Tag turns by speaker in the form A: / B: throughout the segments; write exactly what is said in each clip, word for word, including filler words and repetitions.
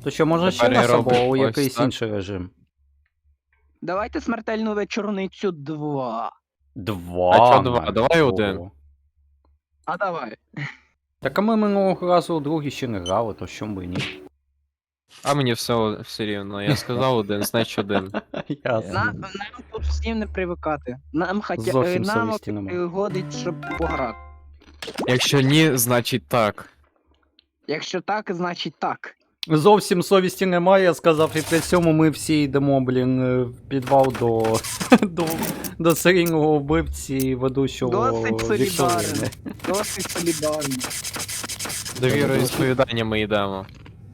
A: То що, може ще
B: Тепер
A: раз
B: я
A: або
B: роблю
A: у
B: ось
A: якийсь
B: так.
A: інший режим?
C: Давайте смертельну вечорницю два.
A: Два.
B: А чо два?
A: навіть.
B: Давай
A: Ого.
B: один.
C: А давай.
A: Так а ми минулого разу у другій ще не грали, то що би і ні.
B: А мені все, все рівно. Я сказав один, значить один.
A: Ясно.
C: Нам, нам тут всім не привикати. Нам хотя
A: Зовсім
C: е, нам
A: совісті нема.
C: е, годить, щоб пограти.
B: Якщо ні, значить так.
C: Якщо так, значить так.
A: Зовсім совісті немає, я сказав, і при цьому ми всі йдемо, блін, е, в підвал до, до, до серійного вбивці ведучого
C: Досить солідарно.
A: Вікторини.
C: Досить солідарно.
B: Довірою і сповідання ми йдемо.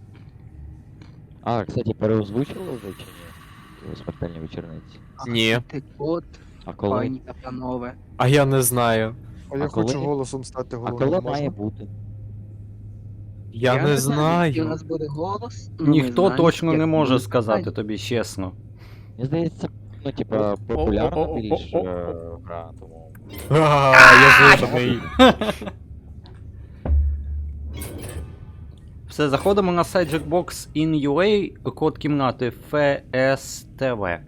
D: А, кстати, переозвучували вже чи ні? Смертельні вечорниці.
B: Ні.
C: Ти от,
D: А коли?
C: пані та панове.
B: А я не знаю.
E: А я
D: А коли?
E: хочу голосом стати
D: А
E: головним.
D: коли
E: можна?
D: має бути?
B: Я, не
C: який у
B: знаю.
C: нас буде голос. ну, ми
A: Ніхто
C: знаємо,
A: точно
C: як
A: не може
C: буде
A: сказати
C: питання.
A: тобі чесно.
D: Мені здається, ну, типа, популярна більш е, гра, тому.
B: А, я жирний.
A: Все, заходимо на сайт Jackbox ін ю ей, код кімнати еф ес те ве.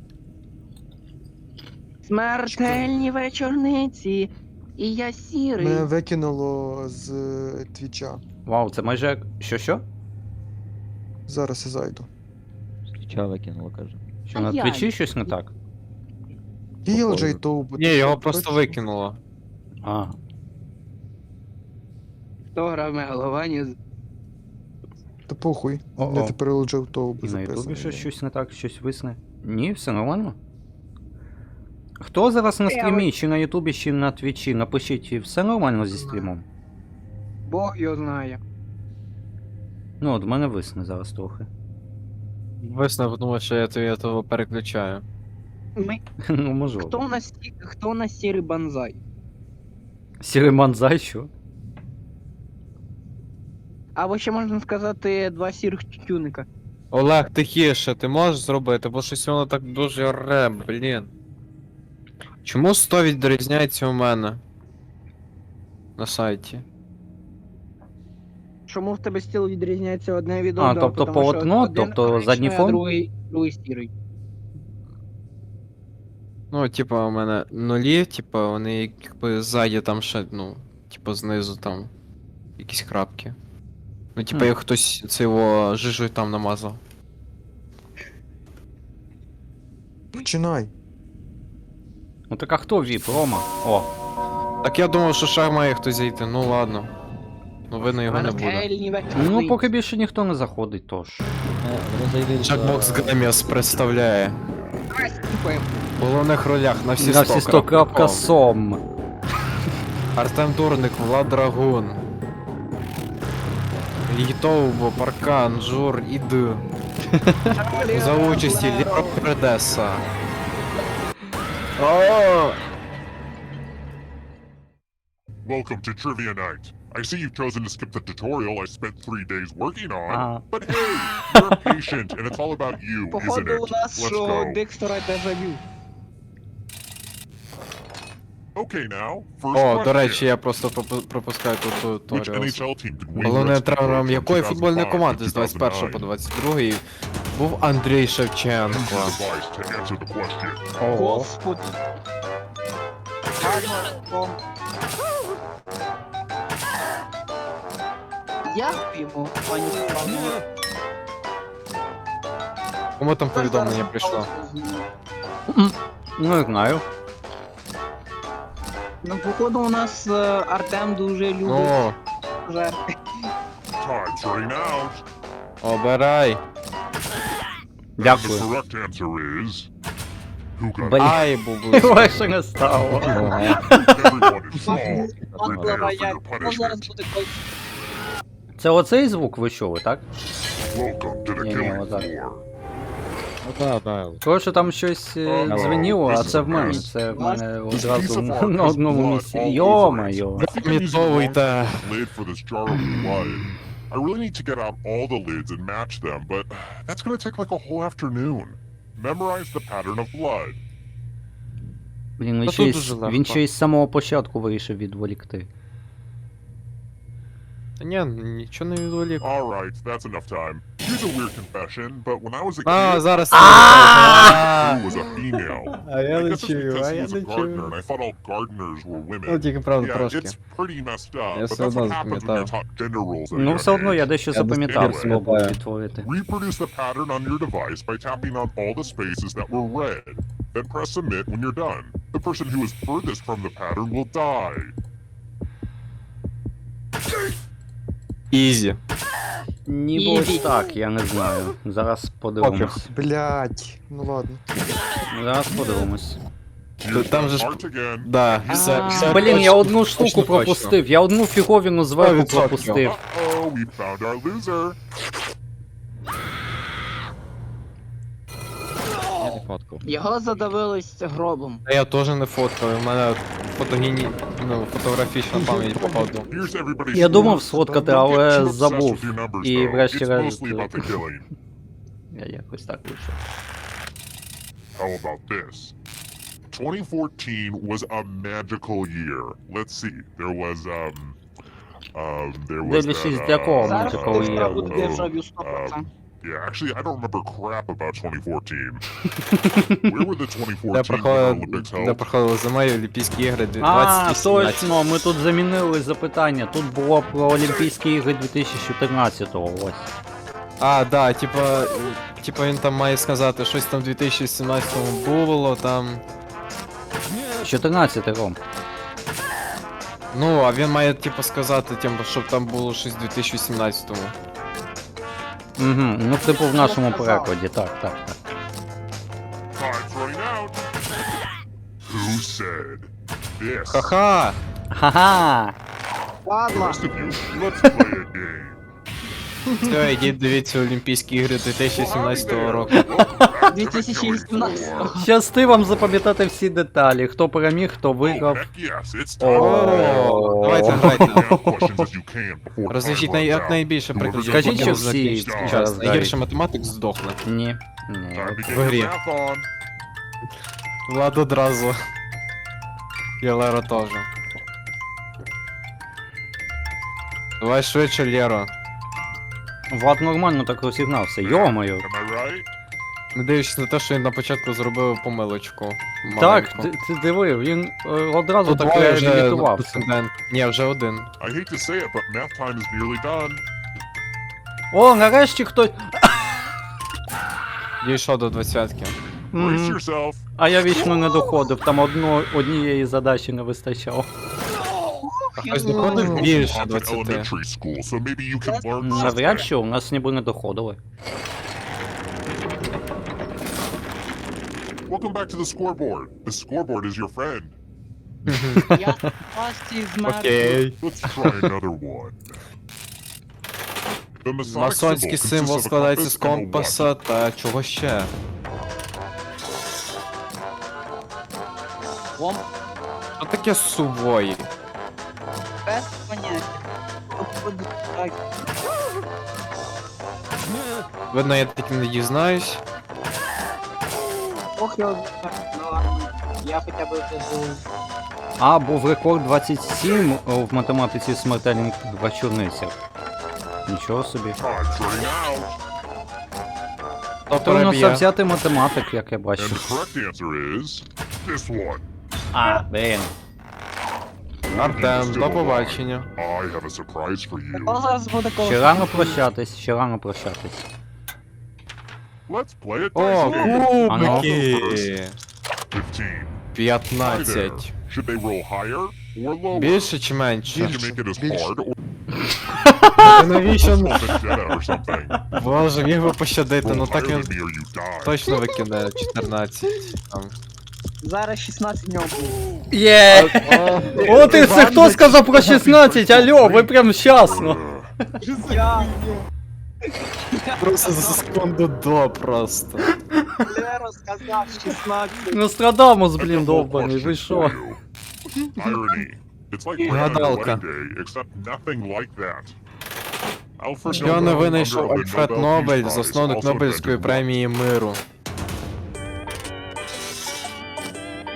C: Смертельні вечорниці. І я сірий.
E: Мене викинуло з е, твіча.
A: Вау, це майже як. Що-що?
E: Зараз я зайду.
D: Твіча викинуло, каже.
A: Що
C: А
A: на
C: я-
A: твічі щось не так?
E: пі ел джей Тоу.
B: Ні, його просто викинуло.
A: А,
C: Хто грав Мегаловані?
E: Та похуй.
A: О-о.
E: Я тепер ел джей Тоу
A: і на ютубі
E: записаний.
A: щось, щось не так, щось висне. Ні, все нормально. Хто зараз на стрімі, чи на ютубі, чи на твічі? Напишіть, все нормально зі стрімом.
C: Бог його знає.
A: Ну, от в мене висне зараз трохи.
B: Висновок, тому що я то- я того переключаю.
C: Ми...
A: Ну, можливо.
C: Хто у нас сі- хто у нас сірий банзай?
A: Сірий манзай, що?
C: Або ще можна сказати два сірих тюника.
B: Олег, тихіше, ти можеш зробити, бо щось воно так дуже оре, блін. Чому сто відрізняється у мене? На сайті.
C: Чому в тебе стіл відрізняється одне від
A: А,
C: одного?
A: тобто
C: Тому що
A: полотно,
C: один
A: тобто
C: коричневий,
A: задній
C: а
A: фон?
C: Другий, другий сірий.
B: Ну, типа, у мене нулі, типа, вони якби ззаді там ще, ну, типа знизу там якісь крапки. Ну, типа,
A: Хм.
B: як хтось це його жижею там намазав.
E: Починай.
A: Ну так а хто віп, Рома? О,
B: Так я думав, що ще має хтось зайти, ну ладно. Ну, видно, його не буде.
C: Смертельні вечорниці.
A: ну поки більше ніхто не заходить, тож.
D: Е, Вони зайдуть за-
B: Jackbox Games представляє.
C: Давай скіпаємо.
B: В головних ролях на всі
A: На всі сто крапка сом.
B: Артем Дурник, Влад Драгун. Літовбо, Паркан, Жур, Ід. За участі Ліро Предеса. О!
F: Welcome to Trivia Night. I see you've chosen to skip the tutorial I spent three days working on,
A: Ah.
F: but hey, you're a patient and it's all about you, isn't
C: Походу
F: it?
C: у нас
F: Let's
C: що
F: go.
C: Декстера дежавю.
F: Okay now, first
B: О, до речі,
F: question.
B: я просто пропу- пропускаю тут
F: Which
B: туторіал.
F: Н Ейч Ел team did win
B: Головним
F: Rest
B: тренером
F: from
B: якої
F: two thousand
B: футбольної
F: five
B: команди
F: to
B: з двадцять першого по
F: two thousand nine?
B: двадцять другий був Андрій Шевченко.
F: Use your device to answer the question.
A: Ого.
C: Господи. Гарно. Дякуємо, пані панове.
B: Кому там повідомлення прийшло?
A: Ну, не знаю.
C: Ну, походу, у нас е, Артем дуже любить
B: О,
C: жерти.
F: Time's running out.
B: обирай.
F: The
A: Дякую.
F: correct answer is... Who got
A: Блін.
B: Ай, бубу.
A: Легше не стало.
D: Ага.
F: Everyone is wrong.
C: Паслова
F: Prepare for
C: як.
F: your
C: Ну, зараз
F: punishment.
C: буде кой-
A: Це оцей звук ви чули, так?
F: Welcome to the
A: Ні, ні,
F: killing
A: отак.
F: floor.
D: Ну да, да.
A: Коротше, там щось е,
F: Ага.
A: дзвеніло, а це в мене. Це в мене одразу на одному місці. Йо-моє.
B: Замітовуйте.
F: Lid for this jar of blood. I really need to get out all the lids and match them, but that's gonna take like a whole afternoon. Memorize the pattern of blood.
A: Блін, він
B: Та
A: ще,
B: тут
A: й,
B: дуже
A: з-
B: легко.
A: він ще й з самого початку вирішив відволікти.
B: Та ні, нічого не відволік.
F: Alright, that's enough time. Here's a weird confession, but when I was a
B: А,
F: kid,
B: зараз.
F: I was a female.
B: А я
F: I
B: не
F: guess it's
B: чую,
F: because
B: а
F: he
B: я
F: was a
B: не
F: gardener,
B: чую.
F: and I thought all gardeners were women.
B: Ну, тільки правда
F: Yeah,
B: трошки.
F: it's pretty messed up,
B: Я
F: but
B: все
F: that's
B: одно
F: what happens when
B: запам'ятав.
F: you're taught gender roles at a
A: Ну,
F: young
A: все одно я
F: age.
A: дещо
B: Я без
A: запам'ятав,
F: тебе
A: спробую
B: пам'ятаю.
A: відтворити.
F: Reproduce the pattern on your device by tapping on all the spaces that were red. Then press submit when you're done. The person who is furthest from the pattern will die.
B: Ізі.
A: Ніби ось так, я не знаю. Зараз подивимось.
E: Блять. Ну ладно.
A: Зараз подивимось.
B: Там же ж.
F: Start again.
B: Да, все, все.
A: Блін, я
B: точно,
A: одну
B: точно,
A: штуку
B: точно.
A: пропустив, я одну фіговіну зверху
B: сто відсотків.
A: пропустив.
F: Uh-oh, we found our loser.
D: Я не фоткав.
C: Його задавились гробом.
B: Та я теж не фоткав, у мене фотогені... ну, фотографічна пам'ять походу.
F: Here's everybody's
A: Я думав
F: scores.
A: сфоткати,
F: Don't get
A: але
F: too obsessed
A: забув.
F: with your numbers,
A: І
F: though. It's
A: врешті-решт,
F: mostly about the killing.
A: Я якось так вийшов.
F: How about this? twenty fourteen was a magical year. Let's see. There was um um there was
A: Дивлячись,
F: that,
A: для кого
F: uh,
C: Зараз
A: Magical
C: хтось
A: Year.
C: буде
F: oh,
C: державі сто процентів.
F: um, yeah, actually, I don't remember crap about twenty fourteen. Where were the twenty
B: Де
F: fourteen Winter
B: проходили,
F: Olympics
B: де
F: held?
B: проходили зимові Олімпійські ігри
A: А,
B: двадцять сімнадцять.
A: точно, ми тут замінили запитання. Тут було про Олімпійські ігри дві тисячі чотирнадцятого, ось.
B: А, да, типа, типа він там має сказати, щось там в дві тисячі сімнадцятому було, там.
A: чотирнадцятий, Ром.
B: Ну, а він має, типу, сказати, тим, щоб там було щось в дві тисячі сімнадцятому.
A: Угу, ну типу в нашому перекладі, так, так, так.
F: Time's running out. Who said this?
B: Ха-ха!
A: Ха-ха!
C: Ладно.
F: Rest of you, let's play a game.
B: Все, ідіть дивіться Олімпійські ігри дві тисячі сімнадцятого року.
C: дві тисячі вісімнадцятого.
A: Щасти вам запам'ятати всі деталі. Хто переміг, хто
F: Oh,
A: виграв.
F: heck yes, it's
A: Oh.
F: time.
B: О, давайте грайте.
F: As questions as you can before
B: Розв'яжіть
F: time
B: най-
F: runs
B: як
F: out.
B: найбільше прикладів.
A: Скажіть,
B: потім
A: що всі
B: закінчиться
F: зараз
B: час.
A: грають.
B: Найгірший математик здохне.
A: Ні. Ні.
F: Time to
B: В
F: get
B: игре.
F: your math on.
B: Влад одразу. І Лера теж. Давай швидше, Лєро.
A: Влад нормально так розігнався. Йо-моє.
F: Am I right?
B: Не дивлячись на те, що він на початку зробив помилочку.
A: Так,
B: маленьку.
A: ти, ти диви, він е, одразу
B: Тут
A: так
B: двоє вже
A: реабілітувався.
B: претендент. Ні, вже один.
F: I hate to say it, but math time is nearly done.
A: О, нарешті хтось.
B: Дійшов до двадцятки.
F: Brace
A: Мгм.
F: yourself.
A: А я вічно не доходив, там одно, однієї задачі не вистачало.
B: А хтось доходив більше
F: Haunted
B: двадцяти.
F: elementary school, so maybe you can learn
A: Навряд
F: something.
A: чи у нас ніби не доходили.
F: Welcome back to the scoreboard. The scoreboard is your friend.
C: Я пасті з
B: Окей.
F: Let's try another one. The Masonic
B: Масонський
F: symbol
B: символ
F: consists of a
B: складається з
F: compass and a what?
B: компаса та чого ще?
C: Лом
B: Що таке сувої?
C: без поняття. Походу, так.
B: Видно, я таким не дізнаюсь.
C: Ох, я так, ну ладно. Я хоча б вже був.
A: А, був рекорд двадцять сім в математиці смертельних вечорницях. Нічого собі.
F: Time's running out.
B: Хто
A: То у нас
B: переб'є?
A: завзятий математик, як я
F: And
A: бачу.
F: the correct answer is this one.
A: А, блін.
B: Артем, до побачення.
F: I have a surprise for you.
C: О, зараз буде коло.
A: Ще рано прощатись, ще рано прощатись.
F: Let's play it.
B: О, кубики!
F: Fifteen. Hi there.
B: п'ятнадцять.
F: Should they roll higher or lower?
B: Більше чи менше?
F: Should you make it as
E: Більше.
F: hard or
B: Та навіщо?
F: roll vendetta or something?
B: Боже, міг би пощадити, ну
F: Roll
B: так
F: higher
B: він
F: than me or you die.
B: точно викине чотирнадцять. Там.
C: Зараз шістнадцять в нього буде.
A: Є! О, ти це хто сказав про шістнадцять? Алло, ви прям щасно.
F: Ugh.
C: Я
B: Просто за секунду до просто.
C: Леро сказав шістнадцять.
A: Нострадамус,
F: I've got
A: блін,
F: one
A: довбаний,
F: question
A: ви
F: for
A: що?
F: you. Irony. It's like bread on your
B: Гадалка.
F: wedding day, except nothing like that. Alfred
B: Що
F: Nobel,
B: не
F: founder
B: винайшов
F: of the
B: Альфред
F: Nobel
B: Нобель,
F: Peace Prize,
B: засновник
F: also
B: Нобелівської
F: invented
B: премії миру.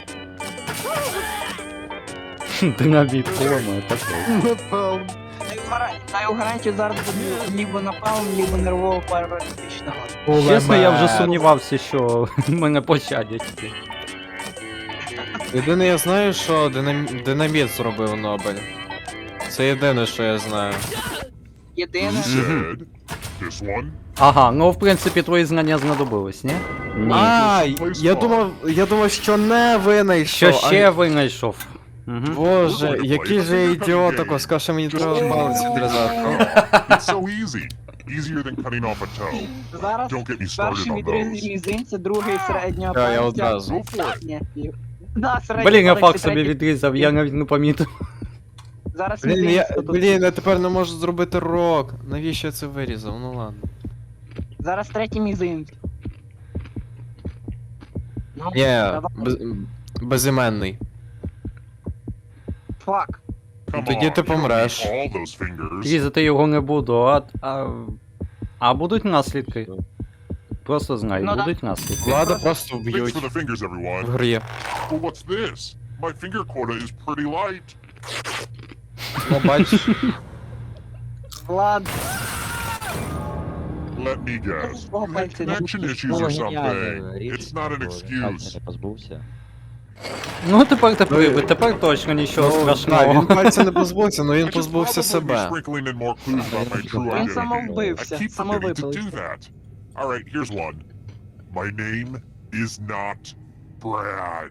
A: Динаміт, по-моєму, такий.
E: Напевно.
C: гарантію, даю гарантію зараз буде либо напалм, либо нервово паралітичного.
A: Чесно, я вже
B: Кулемет.
A: сумнівався, що мене пощадять.
B: Єдине я знаю, що динам... динаміт зробив Нобель. Це єдине, що я знаю.
C: Єдине,
F: Who said this one?
A: Ага, ну в принципі твої знання знадобились, ні? Ні.
B: А, я думав, я думав, що не винайшов.
A: Що ще винайшов? Угу.
B: Боже, який же я ідіот, тако, сказав, що мені треба палець відрізати.
F: It's so easy. Easier than cutting off a toe.
C: зараз
F: Don't get me started
C: перший
F: on
C: відріз
F: those.
C: мізинця, другий середнього
B: Я, я
C: пальця.
B: одразу.
F: Go for it.
C: Ні, ні. Да, середній
A: Блін, я
C: палець
A: факт
C: і
A: собі
C: третій.
A: відрізав, я навіть не помітив.
C: Зараз
B: Блін, я,
C: мізинець, то тут-
B: блін, я тепер не можу зробити рок. Навіщо я це вирізав? Ну ладно.
C: Зараз третій мізинець. Ну,
B: Ні,
C: давай.
B: без, безіменний.
C: Фак.
F: Come
B: Тоді
F: on,
B: ти
F: you don't
B: помреш.
F: need all those fingers.
A: Різати його не буду, а. А, а будуть наслідки. Просто знай,
C: Ну да.
A: будуть наслідки.
B: Влада просто
F: Thanks
B: вб'ють
F: for the fingers,
B: в
F: everyone.
B: грі.
F: Well, what's this? My finger quota is pretty light.
B: Ну, бачиш,
C: Влад,
F: Let me guess.
C: Свого
F: You had
C: пальця не
F: connection issues
D: Було
F: or
D: геніально,
F: something.
D: річ,
F: It's not an
D: бо
F: excuse.
D: пальця не позбувся.
A: Ну тепер ти привид, тепер точно нічого
B: ну, так,
A: страшного.
B: він пальця не позбувся, але
F: I
B: він
F: should
B: позбувся
F: probably be
B: себе.
F: sprinkling in more clues about my true
D: Він
C: він
F: identity. I
C: самовбився,
F: keep forgetting to
C: самовипилився.
F: do that. Alright, here's one. My name is not Brad.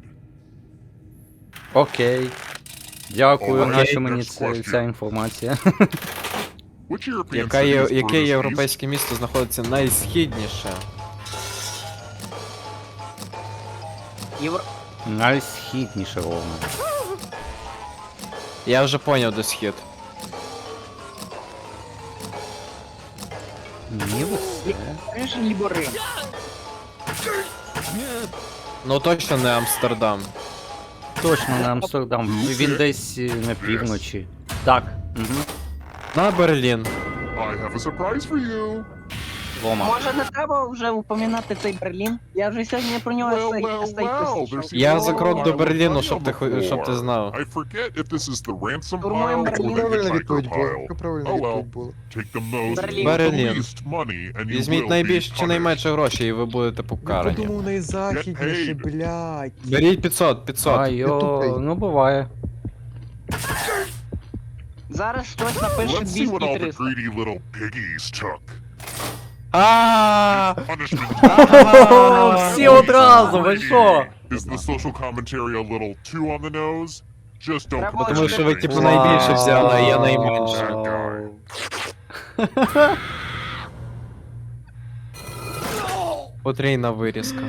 A: Окей. Дякую,
F: Окей,
A: наша мені
F: next
A: це,
F: question.
A: ця інформація.
F: Which European
B: Яка
F: city
B: є,
F: is
B: яке
F: furthest east?
B: європейське місто знаходиться найсхідніше?
C: Євро...
A: Найсхідніше ровно.
B: Я вже поняв, де схід.
A: Ніби все.
C: Риж либо Рим.
B: Ну точно не Амстердам.
A: Точно на Амстердам. Він десь е, на півночі. Так. Угу.
B: На Берлін.
F: I have a surprise for you.
A: Вома.
C: Може не треба вже упоминати цей Берлін? Я вже сьогодні про нього
F: Well,
C: сей-
F: well,
C: сей
F: well,
C: писав.
F: there's
B: Я
F: even
B: за
F: more
B: крок
F: I
B: до
F: will
B: Берліну,
F: tell
B: щоб ти,
F: you
B: хо- щоб ти
F: before.
B: знав.
F: I forget if this is the ransom
C: Штурмуємо
F: pile or
C: Берлін.
F: the
E: Правильна
F: hitchhiker
E: відповідь була.
F: pile.
E: Яка правильна
F: Oh, well.
E: відповідь була?
F: Take the most
C: Берлін.
F: with the
B: Берлін.
F: least money and you
B: Візьміть
F: will
B: найбільш
F: be
B: чи найменше
F: punished.
B: грошей, і ви будете
E: Я
B: покарані.
E: подумав найзахідніше,
F: paid.
E: блядь.
B: Беріть п'ятсот, п'ятсот.
A: А
E: я
A: йо,
E: тупий.
A: ну буває.
C: Зараз хтось напише
F: Let's see what all the
C: двісті-триста.
F: greedy little piggies took.
B: А
F: Punishment.
A: Всі одразу, ви що?
F: Is the social commentary a little too on the nose? Just don't
C: Треба
F: come
B: Тому що ви
F: to
B: типу
F: me.
B: найбільше взяли, а я
A: Вау.
B: найменше.
F: Bad guy.
B: Потрійна вирізка.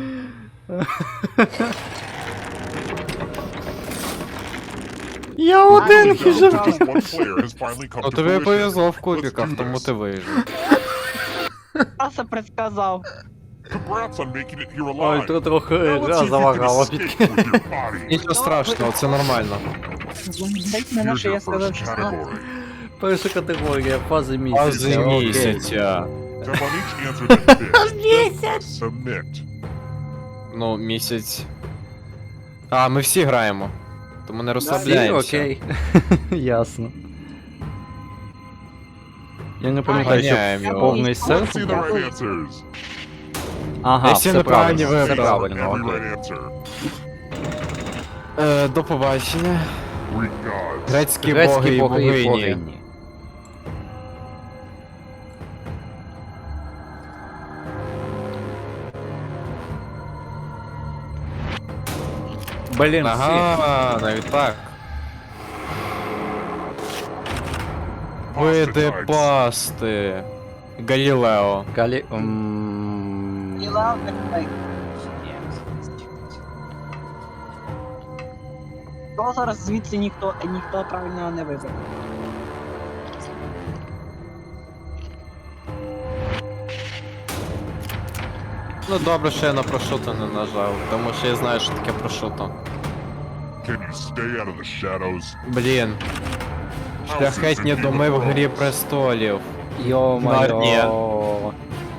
A: Я один
F: Just
A: хіжу.
F: one player has finally come
B: Ну
F: to
B: тобі
F: fruition.
B: повезло в
F: Let's
B: кубіках,
F: do
B: тому
F: this.
B: ти вижив.
C: Я це предсказав.
F: Congrats on making it here
A: Ой,
F: alive.
A: тут трохи
F: Now let's see
A: гра
F: if you can
A: залагала.
F: escape with your body.
B: Нічого страшного, це нормально.
C: Дайте мене,
F: Here's
C: що я
F: your
C: сказав
F: first
C: шістнадцять.
F: category.
A: Перша категорія, фази місяця.
B: Фази
A: окей.
B: місяця.
F: Step on each answer that fits. Just submit.
B: Ну, місяць. А, ми всі граємо. Тому не
A: Всі,
B: розслабляємося.
A: окей. Ясно. Я не пам'ятаю,
B: Ганяємо
A: що
B: його.
A: повний
F: Let's see
A: серф.
F: the right answers.
A: Ага,
B: Я всі
A: все
B: неправильні
A: правильно, все
B: вибрав.
A: правильно,
F: Every
A: окей.
F: right answer.
B: Е, до побачення.
F: Greek gods.
B: Грецькі
A: Грецькі
B: боги і
A: боги і
B: богині.
A: богині. Блін, всі.
B: Ага, навіть так. Види
F: Ostracized.
B: пасти. Галілео.
A: Галі... м,
C: І ладно, так. То зараз звідси ніхто, ніхто правильного не вибере.
B: Ну добре, що я на прошуто не нажав, тому що я знаю, що таке прошуто.
F: Can you stay out of the shadows?
B: Блін. Шляхетні доми в Грі престолів. Нарнія.
A: Йо-моє.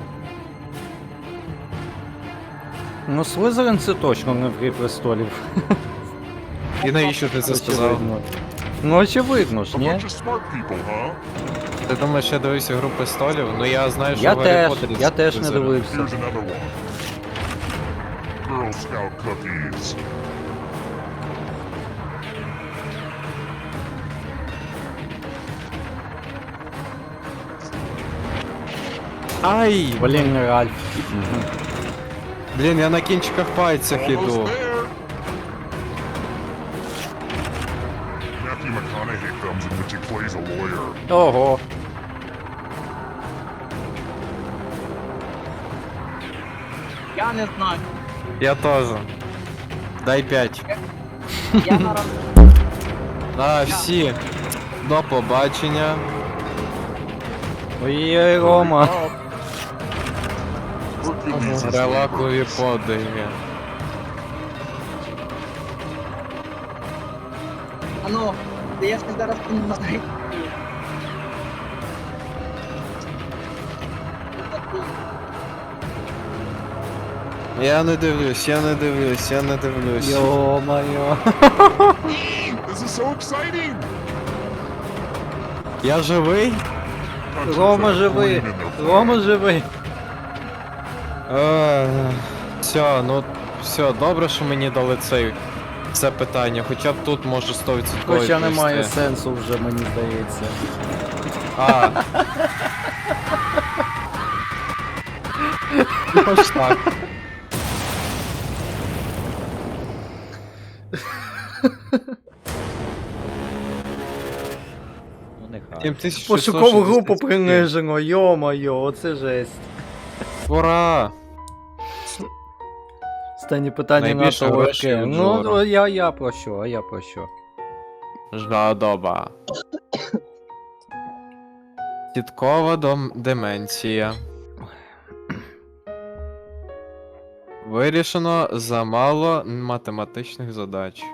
A: Ну, Слизерин це точно не в Грі престолів.
B: І навіщо ти це сказав?
A: Очевидно. Ну очевидно
F: A
A: ж, ні?
F: bunch of smart people, huh?
B: Ти думаєш, я дивився гру престолів? Ну я знаю, що
A: Я
B: в Гаррі
A: теж,
B: Поттері
A: я
B: це
A: теж не
B: визирав.
A: дивився.
F: Here's another one. Girl Scout cookies.
B: Ай!
A: Блін, Ральф. Мгм.
B: Блін, я на кінчиках пальцях
F: Almost
B: іду.
F: there. Matthew McConaughey films in which he plays a lawyer.
A: Ого.
C: Я не знаю.
B: Я теж. Дай п'ять.
C: Я на раз.
B: На всі. До побачення.
A: Ой, Рома.
F: Hercules is
B: Релакові
F: labors.
B: подиги.
C: А ну, та я ж зараз не знаю.
B: Я не дивлюсь, я не дивлюсь, я не дивлюсь.
A: Йо-моє.
F: This is so exciting!
B: Я живий?
F: Countries
A: Рома
F: that have
A: живий.
F: green in their
A: Рома
F: flag.
A: живий.
B: Е, Все, ну все, добре, що мені дали цей це питання, хоча б тут може сто відсотків.
A: Хоча немає сенсу вже, мені здається.
B: А. Ну, хоч так.
D: Ну нехай.
B: сім тисяч
A: Пошукову
B: шістсот
A: групу
B: шістдесят сім.
A: принижено, йо-моє, оце жесть.
B: Ура!
A: Останнє питання
B: Найбільше
A: НАТО
B: грошей
A: легке.
B: у
A: Ну,
B: Джора.
A: ну, я, я про що, а я про що?
B: Жадоба. Тіткова дом... деменція. Вирішено замало математичних задач.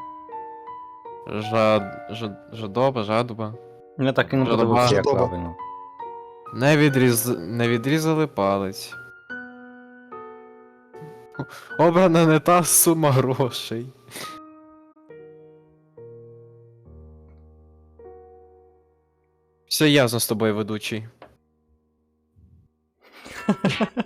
B: Жад... Жад... Жадоба, жадоба.
A: Я так і не
B: Жадоба.
A: подивився, як
E: Жадоба.
A: правильно.
B: Не, відріз... не відрізали палець. Обрана не та сума грошей. Все ясно з тобою, ведучий.